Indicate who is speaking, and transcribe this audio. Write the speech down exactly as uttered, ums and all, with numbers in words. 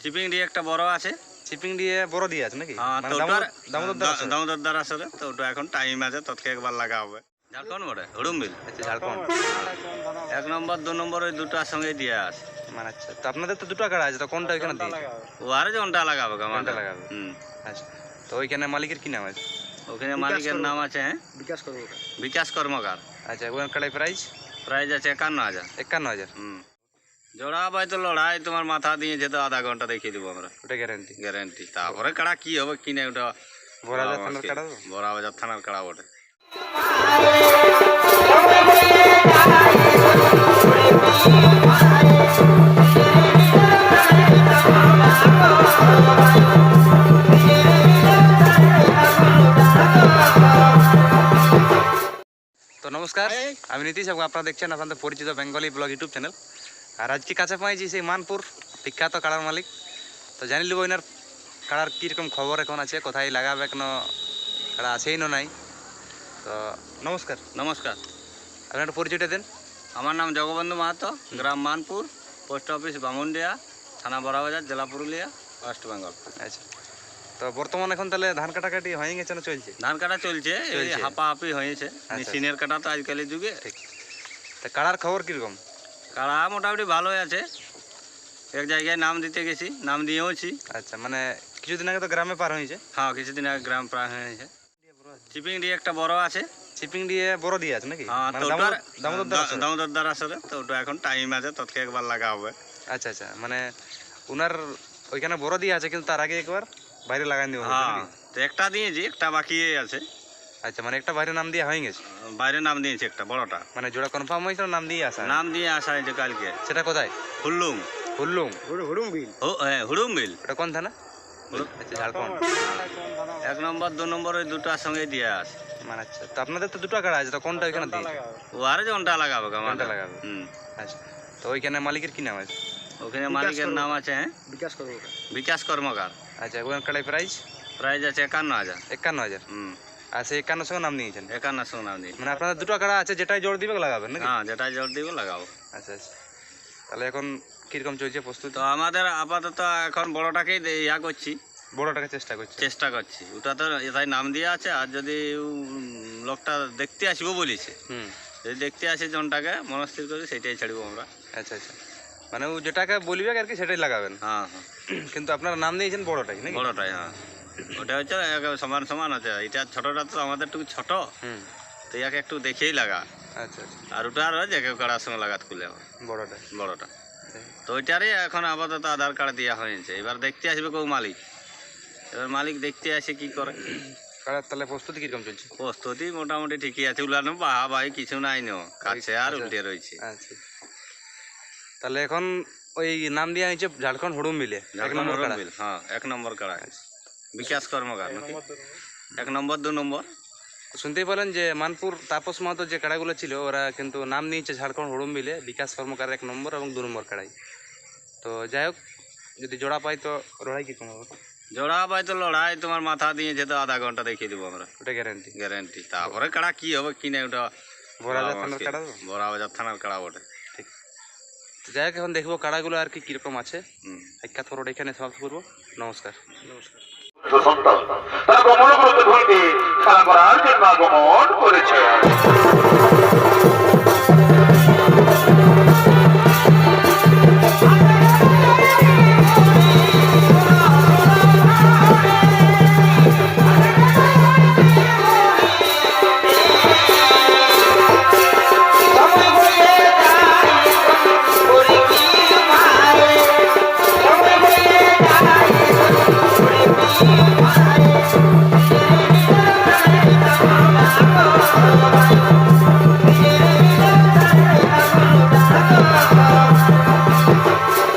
Speaker 1: Chipping দিয়ে একটা বড় আছে,
Speaker 2: চিপিং দিয়ে বড় দিয়ে আছে নাকি?
Speaker 1: হ্যাঁ,
Speaker 2: মানে
Speaker 1: তো
Speaker 2: দামোদর
Speaker 1: ওটার
Speaker 2: দামোদর দ্বার আছে?
Speaker 1: দামোদর দ্বার আসলে তো ওটা এখন টাইম আছে, তৎকে একবার লাগা হবে। ঝাড়খণ্ড বটে, হুড়ুমবিল।
Speaker 2: আচ্ছা, ঝাড়খণ্ড।
Speaker 1: এক নম্বর দু নম্বর ওই দুটার সঙ্গে দিয়ে আছে।
Speaker 2: মানে আচ্ছা, তো আপনাদের তো দুটো কাড়া আছে, তো কোনটা ওইখানে দিয়ে?
Speaker 1: ও আরে জনটা লাগাবে
Speaker 2: কোনটা
Speaker 1: আমাদের।
Speaker 2: লাগাবে?
Speaker 1: হুম।
Speaker 2: আচ্ছা, তো ওইখানে মালিকের কি নাম আছে?
Speaker 1: ওখানে মালিকের নাম আছে হ্যাঁ
Speaker 3: বিকাশ কর্মকার।
Speaker 1: বিকাশ কর্মকার।
Speaker 2: আচ্ছা, ওখানে কাড়াই প্রাইস
Speaker 1: প্রাইস আছে একান্ন হাজার।
Speaker 2: একান্ন হাজার।
Speaker 1: হুম। জোড়া পাই তো লড়াই তোমার মাথা দিয়েছে তো আধা ঘন্টা দেখিয়ে দেবো আমরা,
Speaker 2: ওটা গ্যারান্টি।
Speaker 1: গ্যারান্টি। তারপরে কাড়া কি হবে কি না ওটা
Speaker 2: বড়াবাজার থানার কাড়া তো?
Speaker 1: বড়াবাজার থানার কাড়া বটে।
Speaker 2: তো নমস্কার, আমি নীতিশ। আপনারা দেখছেন আপনাদের পরিচিত বেঙ্গলি ব্লগ ইউটিউব চ্যানেল। আর আজকে কাছে পাইছি সেই মানপুর বিখ্যাত কাড়ার মালিক। তো জানি লিব এনার কাড়ার কীরকম খবর এখন আছে, কোথায় লাগাবে, এখনো কাড়া আছেই না নাই। তো নমস্কার।
Speaker 1: নমস্কার,
Speaker 2: আপনার একটা পরিচয়টা দেন।
Speaker 1: আমার নাম জগবন্ধু মাহাতো, গ্রাম মানপুর, পোস্ট অফিস বামুনডিয়া, থানা বড়াবাজার, জেলা পুরুলিয়া, ওয়েস্ট বেঙ্গল।
Speaker 2: আচ্ছা, তো বর্তমান এখন তাহলে ধান কাটাকাটি হয়ে গেছে না চলছে?
Speaker 1: ধান কাটা চলছে, এই
Speaker 2: চলছে।
Speaker 1: হাপাহাপি হয়েছে। মেশিনের কাটা তো আজকালের যুগে।
Speaker 2: ঠিক। তা কাড়ার খবর কীরকম?
Speaker 1: কাড়া মোটামুটি ভালোই আছে। এক জায়গায় নাম দিতে গেছি, নাম দিয়েওছি।
Speaker 2: আচ্ছা, মানে কিছুদিন আগে তো গ্রামে পার হয়েছে?
Speaker 1: হ্যাঁ, কিছুদিন আগে গ্রাম প্রায় হয়েছে। চিপিং দিয়ে একটা বড় আছে,
Speaker 2: চিপিং দিয়ে বড় দিয়ে আছে নাকি?
Speaker 1: হ্যাঁ,
Speaker 2: মানে
Speaker 1: তো
Speaker 2: দামোদর
Speaker 1: ওটার
Speaker 2: দামোদর দ্বার আছে?
Speaker 1: দামোদর দ্বার আসলে তো ওটা এখন টাইম আছে, তৎকে একবার লাগা হবে।
Speaker 2: আচ্ছা আচ্ছা, মানে ওনার ওইখানে বড় দিয়ে আছে, কিন্তু তার আগে একবার বাইরে লাগাই দেবো
Speaker 1: হ্যাঁ,
Speaker 2: নাকি?
Speaker 1: তো একটা দিয়েছি, একটা বাকি আছে।
Speaker 2: আচ্ছা, মানে একটা বাইরে নাম দিয়ে হয়ে গেছে,
Speaker 1: বাইরে নাম দিয়েছি একটা বড়টা,
Speaker 2: মানে জোড়া কনফার্ম হয়েছে, নাম দিয়ে আসা?
Speaker 1: নাম দিয়ে আসা হয়েছে কালকে।
Speaker 2: সেটা কোথায়?
Speaker 1: হুল্লুম।
Speaker 2: হুল্লুম।
Speaker 3: হুড়ুম বিল।
Speaker 1: ও হ্যাঁ, হুড়ুমবিল।
Speaker 2: ওটা কোন থানা? আচ্ছা, ঝাড়খণ্ড।
Speaker 1: এক নম্বর দু নম্বর ওই দুটার সঙ্গে দিয়ে আছে।
Speaker 2: মানে আচ্ছা, তো আপনাদের তো দুটো কাড়া আছে, তো কোনটা ওইখানে দিয়ে?
Speaker 1: ও আরে জনটা লাগাবে
Speaker 2: কোনটা
Speaker 1: আমাদের।
Speaker 2: লাগাবে?
Speaker 1: হুম।
Speaker 2: আচ্ছা, তো ওইখানে মালিকের কি নাম আছে?
Speaker 1: ওখানে মালিকের নাম আছে হ্যাঁ
Speaker 3: বিকাশ কর্মকার।
Speaker 1: বিকাশ কর্মকার।
Speaker 2: আচ্ছা, ওখানে কাড়াই প্রাইস
Speaker 1: প্রাইস আছে একান্ন হাজার।
Speaker 2: একান্ন হাজার।
Speaker 1: হুম।
Speaker 2: আর সেই একান্ন সঙ্গে নাম নিয়েছেন?
Speaker 1: একান্ন সঙ্গে নাম দিয়ে।
Speaker 2: মানে আপনাদের দুটো কাড়া আছে, যেটাই জোর দিবে লাগাবেন নাকি?
Speaker 1: হ্যাঁ, যেটা জল দিব লাগাবো।
Speaker 2: আচ্ছা আচ্ছা, তাহলে এখন কিরকম চলছে প্রস্তুতি?
Speaker 1: তো আমাদের আপাতত এখন বড়টাকেই দে- ইয়া করছি,
Speaker 2: বড়টাকে চেষ্টা করছে?
Speaker 1: চেষ্টা করছি। ওটা তো এটাই নাম দিয়ে আছে। আর যদি উম, লোকটা দেখতে আসবো বলিছে,
Speaker 2: হুম।
Speaker 1: যদি দেখতে আসে জনটাকে মনস্থির করি সেটাই ছাড়বো আমরা।
Speaker 2: আচ্ছা আচ্ছা, মানে ও যেটাকে বলবে আর কি সেটাই লাগাবেন।
Speaker 1: হ্যাঁ হ্যাঁ,
Speaker 2: কিন্তু আপনারা নাম দিয়েছেন বড়টাই নাকি?
Speaker 1: বড়টাই। হ্যাঁ, ওটা হচ্ছে একেবারে সমান সমান আছে। এটা ছোটটা তো আমাদের একটু ছোট,
Speaker 2: হুম।
Speaker 1: তো ইয়াকে একটু দেখেই লাগা।
Speaker 2: আচ্ছা আচ্ছা,
Speaker 1: আর ওটা আর যে কেউ কাড়ার সঙ্গে লাগাত খুলে হবে
Speaker 2: বড়টা।
Speaker 1: বড়টা। তো ওইটারই এখন আপাতত আধার কার্ড দেওয়া হয়েছে। এবার দেখতে আসবে কেউ মালিক, এবার মালিক দেখতে আসে কি করে।
Speaker 2: কাড়ার তাহলে প্রস্তুতি কিরকম চলছে?
Speaker 1: প্রস্তুতি মোটামুটি ঠিকই আছে। উলানো বাহা বাহি কিছু নাই, নো কাছে আর
Speaker 2: আচ্ছা।
Speaker 1: উল্টে রয়েছে।
Speaker 2: আচ্ছা, তাহলে এখন ওই নাম দেওয়া হয়েছে ঝাড়খণ্ড হুড়ুম মিলে এক নম্বর কাড়া।
Speaker 1: বিল। হ্যাঁ, এক নম্বর কাড়া বিকাশ কর্মকার নাকি? এক নম্বর দু নম্বর।
Speaker 2: শুনতেই পেলেন যে মানপুর তাপস মাহাতো যে কাড়াগুলো ছিল, ওরা কিন্তু নাম নিয়েছে ঝাড়খণ্ড হুড়ুম মিলে বিকাশ কর্মকার এক নম্বর এবং দু নম্বর কাড়াই। তো যাই হোক, যদি জোড়া পাই তো লড়াই কীরকম হবে?
Speaker 1: জোড়া পাই তো লড়াই তোমার মাথা দিয়েছে তো আধা ঘন্টা দেখিয়ে দেবো আমরা,
Speaker 2: ওটা গ্যারান্টি।
Speaker 1: গ্যারান্টি। তারপরে কাড়া কি হবে কি না ওটা
Speaker 2: বড়াবাজার থানার কাড়া তো?
Speaker 1: বড়াবাজার থানার কাড়া বটে।
Speaker 2: ঠিক। তো যাই হোক, এখন দেখবো কাড়াগুলো আর কি কীরকম আছে।
Speaker 1: হুম।
Speaker 2: সাক্ষাৎ পর্বটা এখানে সমাপ্ত করবো। নমস্কার।
Speaker 3: নমস্কার।
Speaker 4: সন্তান তারা গমন করতে ভুলকে খেলা করার জন্য আগমন করেছে।